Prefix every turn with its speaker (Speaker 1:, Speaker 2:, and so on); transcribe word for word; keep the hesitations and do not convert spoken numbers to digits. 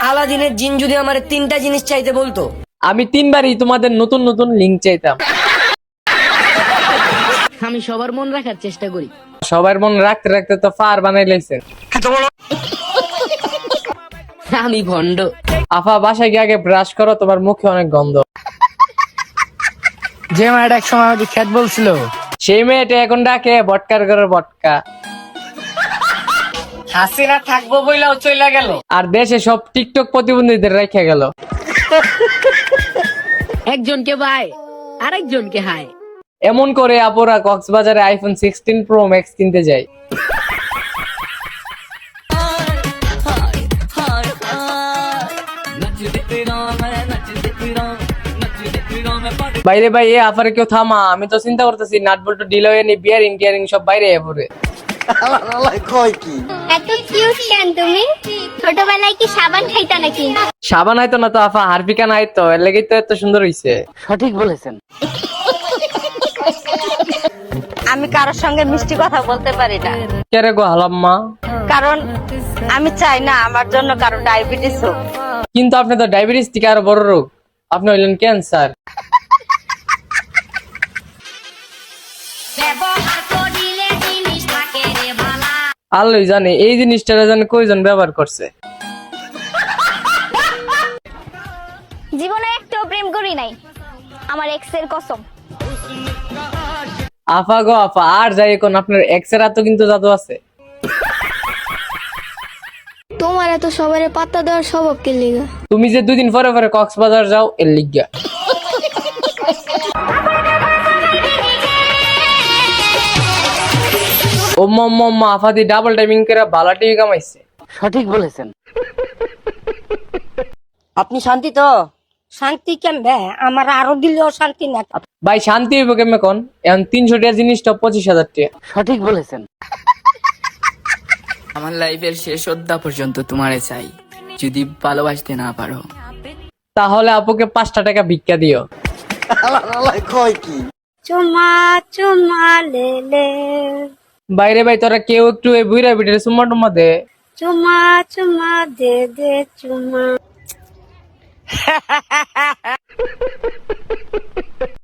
Speaker 1: আলাদিনের জিন যদি আমার তিনটা জিনিস চাইতে বলতো,
Speaker 2: আমি তিনবারই তোমাদের নতুন নতুন লিঙ্ক চাইতাম।
Speaker 1: আমি সবার মন রাখার চেষ্টা করি।
Speaker 2: সবার মন রাখতে রাখতে তো ফার বানাই লাইছেন।
Speaker 1: আমি ভন্ড।
Speaker 2: আফা বাসায় গিয়ে আগে ব্রাশ করো, তোমার মুখে অনেক গন্ধ।
Speaker 3: যে মায়ের এক সময় আমাকে খ্যাত বলছিল,
Speaker 2: সেই মেয়েটা এখন ডাকে বটকার ঘরে বটকা।
Speaker 3: হাসিনা থাকবো বইলাও চইলা গেল।
Speaker 2: আর দেশে সব টিকটক প্রতিবন্ধীদের রেখে গেল।
Speaker 1: একজনকে বাই আরেকজনকে হাই।
Speaker 2: এমন করে আপুরা কক্সবাজারে আইফোন সিক্সটিন প্রো ম্যাক্স কিনতে যায়। বাইরে ভাই এ আফারে কেউ থামা, আমি তো চিন্তা করতেছি নাট বল্টু ডিল হয়ে নি, বিয়ারিং টিয়ারিং সব বাইরে পড়ে।
Speaker 4: এত কিউট কেন তুমি? ছোটবেলায় কি সাবান খাইতা নাকি?
Speaker 2: সাবান আইতো না তো আফা, হারপিকা নাই তো, এর লেগেই তো এত সুন্দর হইছে।
Speaker 3: সঠিক বলেছেন।
Speaker 5: আমি কারোর সঙ্গে মিষ্টি কথা বলতে পারি না,
Speaker 2: কেরে গো হালাম্মা?
Speaker 5: কারণ আমি চাই না আমার জন্য কারো ডায়াবেটিস হোক।
Speaker 2: কিন্তু আপনি তো ডায়াবেটিস থেকে আরো বড় রোগ, আপনি হইলেন ক্যান্সার। আল্লাহই জানে এই জিনিসটা জানে কয়জন ব্যবহার করছে।
Speaker 4: জীবনে একটাও প্রেম করি নাই, আমার এক্স এর কসম।
Speaker 2: আফা গো আফা, আর যাই এখন আপনার এক্সের তো কিন্তু জাদু আছে।
Speaker 4: তোমার এত সবার পাত্তা দেওয়ার স্বভাব কে লিগা?
Speaker 2: তুমি যে দুই দিন পরে পরে কক্সবাজার যাও এর লিগা। ও মম্মা আফা দি ডাবল টাইমিং করে বালা টিভি কামাইছে।
Speaker 3: সঠিক বলেছেন।
Speaker 5: আপনি শান্তি তো? শান্তি কেমবে? আমার আরো দিলেও শান্তি না।
Speaker 2: ভাই শান্তি হইব কেমন কোন? এখন তিনশো টাকার জিনিসটা পঁচিশ হাজার টাকা।
Speaker 3: সঠিক বলেছেন।
Speaker 6: আমার লাইফের শেষ অধ্যা পর্যন্ত তোমারে চাই, যদি ভালোবাসতে না পারো
Speaker 2: তাহলে আপুকে পাঁচটা টাকা ভিক্ষা দিও।
Speaker 5: চুমা চুমা লেলে,
Speaker 2: বাইরে ভাই তোরা কেউ একটু এই বুইরা বিটের সুম্মা টুম্মা দে।
Speaker 5: চুমা চুমা দে দে চুমা।